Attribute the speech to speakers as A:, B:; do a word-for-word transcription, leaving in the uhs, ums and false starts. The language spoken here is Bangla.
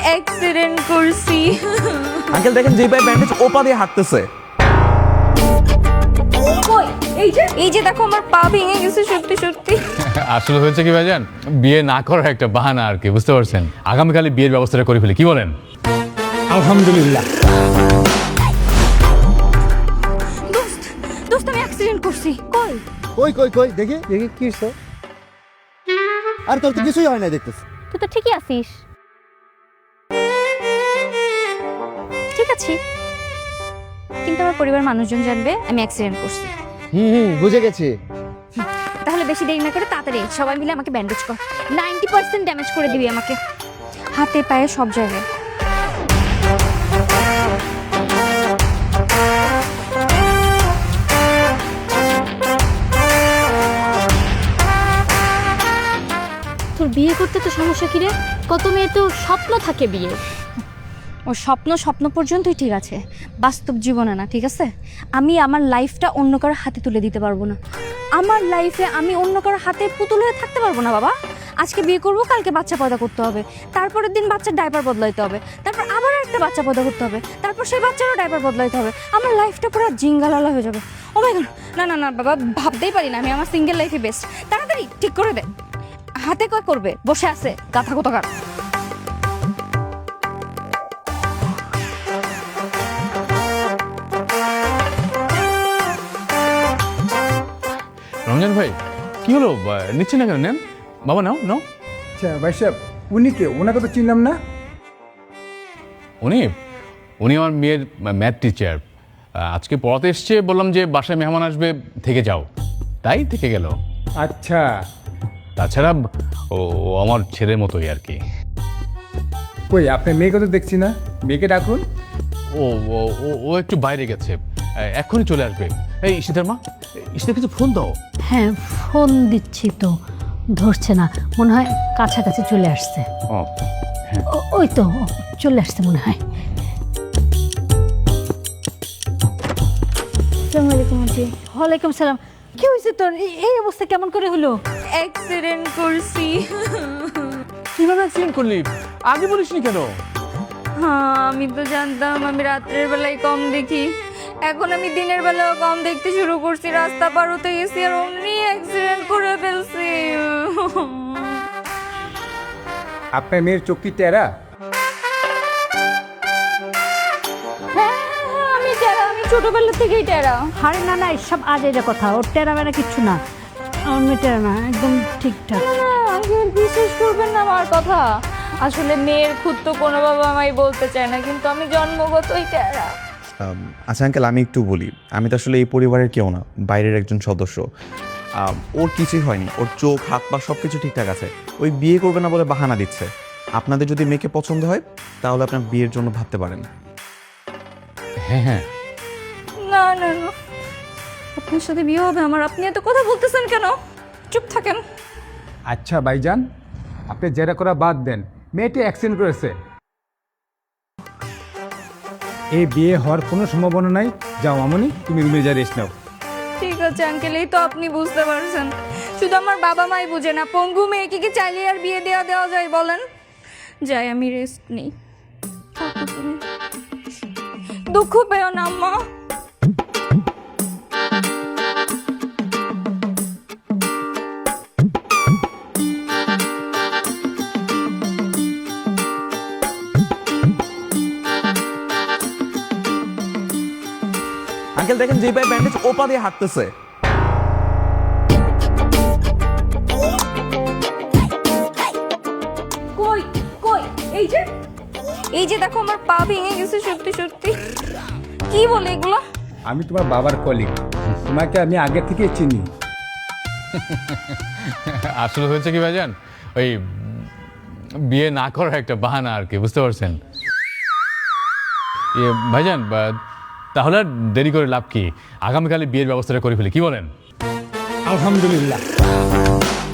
A: অ্যাক্সিডেন্ট করছি।
B: আঙ্কেল দেখেন যে ভাই ব্যান্ডেজ ওপা দিয়ে হাঁটতেছে।
A: কই এই যে এই যে দেখো আমার পা ভেঙে গেছে সত্যি সত্যি।
C: আসলে হয়েছে কি ভাইজান, বিয়ে না করার একটা বাহানা আর কি, বুঝতে পারছেন। আগামীকালে বিয়ের ব্যবস্থাটা করে ফেলি, কি বলেন?
D: আলহামদুলিল্লাহ।
A: দোস্ত দোস্ত আমি অ্যাক্সিডেন্ট করছি। কই
E: কই কই কই দেখি দেখি কি হইছে? আর তোর তো কিছুই হয় না দেখতেছি।
A: তুই তো ঠিকই আছিস। ঠিক আছে, কিন্তু আমার পরিবার মানুষজন জানবে আমি অ্যাক্সিডেন্ট করছি।
E: হুম হুম বুঝে গেছি।
A: তাহলে বেশি দেরি না করে তাড়াতাড়ি সবাই মিলে আমাকে ব্যান্ডেজ কর। নাইনটি পার্সেন্ট ড্যামেজ করে দিবি আমাকে, হাতে পায়ে সব জায়গায়।
F: তোর বিয়ে করতে তো সমস্যা কি রে? কত মেয়ের তো স্বপ্ন থাকে বিয়ে।
A: ও স্বপ্ন স্বপ্ন পর্যন্তই ঠিক আছে, বাস্তব জীবনে না, ঠিক আছে? আমি আমার লাইফটা অন্য কারোর হাতে তুলে দিতে পারবো না। আমার লাইফে আমি অন্য কারোর হাতে পুতুল হয়ে থাকতে পারবো না বাবা। আজকে বিয়ে করবো, কালকে বাচ্চা পয়দা করতে হবে, তারপরের দিন বাচ্চার ডাইপার বদলাইতে হবে, তারপর আবার একটা বাচ্চা পয়দা করতে হবে, তারপর সেই বাচ্চারও ডাইপার বদলাইতে হবে। আমার লাইফটা পুরো জিঙ্গালালা হয়ে যাবে। ও মাই গড, না না না বাবা, ভাবতেই পারি না আমি আমার সিঙ্গেল লাইফে বেস্ট। তাড়াতাড়ি ঠিক করে দে। হাতে কয় করবে, বসে আছে গাথা কোথাকার।
C: রমজান ভাই কি হলো, নিচ্ছে না কেন? নেন বাবা, নাও নাও।
D: আচ্ছা ভাই সাহেব, উনি কে? ওনাকে তো চিনলাম না।
C: উনি উনি আমার মেয়ের ম্যাথ টিচার। আজকে পড়াতে এসছে, বললাম যে বাসায় মেহমান আসবে, থেকে যাও, তাই থেকে গেল।
D: আচ্ছা,
C: তাছাড়া ও ও আমার ছেলের মতোই আর কি।
D: কই আপনার মেয়েকে তো দেখছি না, মেয়েকে ডাকুন।
C: ও ও ও- ও একটু বাইরে গেছে, এখনই চলে আসবে। এই ঈশিতার মা, ঈশিতা কিছু ফোন দাও।
F: হ্যাঁ ফোন দিচ্ছি তো, ধরছে না, মনে হয় কাছাকাছি চলে আসছে।
C: ও
F: ও- ওই তো ও চলে আসছে মনে হয়।
A: আসসালামু আলাইকুম আন্টি।
F: ওয়ালাইকুম সালাম। কি হয়েছে তোর? এই- এই অবস্থা কেমন করে হলো?
A: অ্যাক্সিডেন্ট করছি।
C: কিভাবে অ্যাক্সিডেন্ট করলি? আগে বলিসনি কেন?
A: হ্যাঁ আমি তো জানতাম আমি রাত্রের বেলায় কম দেখি, এখন আমি দিনের বেলাও কম দেখতে শুরু করছি। রাস্তা পার হতে গেছি আর অমনি অ্যাক্সিডেন্ট করে ফেলছি।
D: আপনার মেয়ের চোখ কি টেরা?
A: হ্যাঁ হ্যাঁ, আমি টেরা, আমি ছোটবেলা থেকেই টেরা।
F: আরে না না, এসব আজ এটা কথা, ওর টেরা বেড়া কিচ্ছু না, আমার মেয়ে টেরা না, একদম ঠিকঠাক।
A: আঙ্কেল বিশ্বাস করবেন না আমার কথা, আসলে মেয়ের খুদ তো কোনো বাবা আমায় বলতে চায় না, কিন্তু আমি জন্মগতই টেরা।
B: আম, আচ্ছা আঙ্কেল, আমি একটু বলি, আমি তো আসলে এই পরিবারের কেউ না, বাইরের একজন সদস্য। আম, ওর কিছুই হয়নি, ওর চোখ হাত পা সব কিছু ঠিকঠাক আছে। ওই বিয়ে করবে না বলে বাহানা দিচ্ছে। আপনাদের যদি মেয়েকে পছন্দ হয় তাহলে আপনার বিয়ের জন্য ভাবতে পারেন।
C: হ্যাঁ হ্যাঁ,
A: না না না, আপনার সাথে বিয়ে হবে আমার, আপনি এত কথা বলতেছেন কেন? চুপ থাকেন।
D: আচ্ছা ভাইজান, আপনি জেরা করা বাদ দেন, মেয়েটি অ্যাক্সিডেন্ট করেছে, এই বিয়ে হওয়ার কোনো সম্ভাবনা নাই। যাও মামনি, তুমি রুমে যা রেস্ট নাও।
A: ঠিক আছে আঙ্কেল, এই তো আপনি বুঝতে পারছেন, শুধু আমার বাবা মাই বুঝে না। পঙ্গু মেয়েকে কি চাইলে আর বিয়ে দেওয়া দেওয়া যায় বলেন? যাই আমি রেস্ট নেই। দুঃখ পেও না আম্মা।
B: আঙ্কেল দেখেন যে ভাই ব্যান্ডেজ ওপা দিয়ে হাঁটতেছে।
A: কই কই এই যে এই যে দেখো আমার পা ভেঙে গেছে সত্যি সত্যি। কি বলে এগুলো?
D: আমি তোমার বাবার কলিগ, তোমাকে আমি আগে থেকে চিনি।
C: আসলে হয়েছে কি ভাইজান, ওই বিয়ে না করার একটা বাহানা আর কি, বুঝতে পারছেন। ইয়ে ভাইজান, বা- তাহলে আর দেরি করে লাভ কি, আগামীকালে বিয়ের ব্যবস্থাটা করে ফেলি, কি বলেন?
D: আলহামদুলিল্লাহ।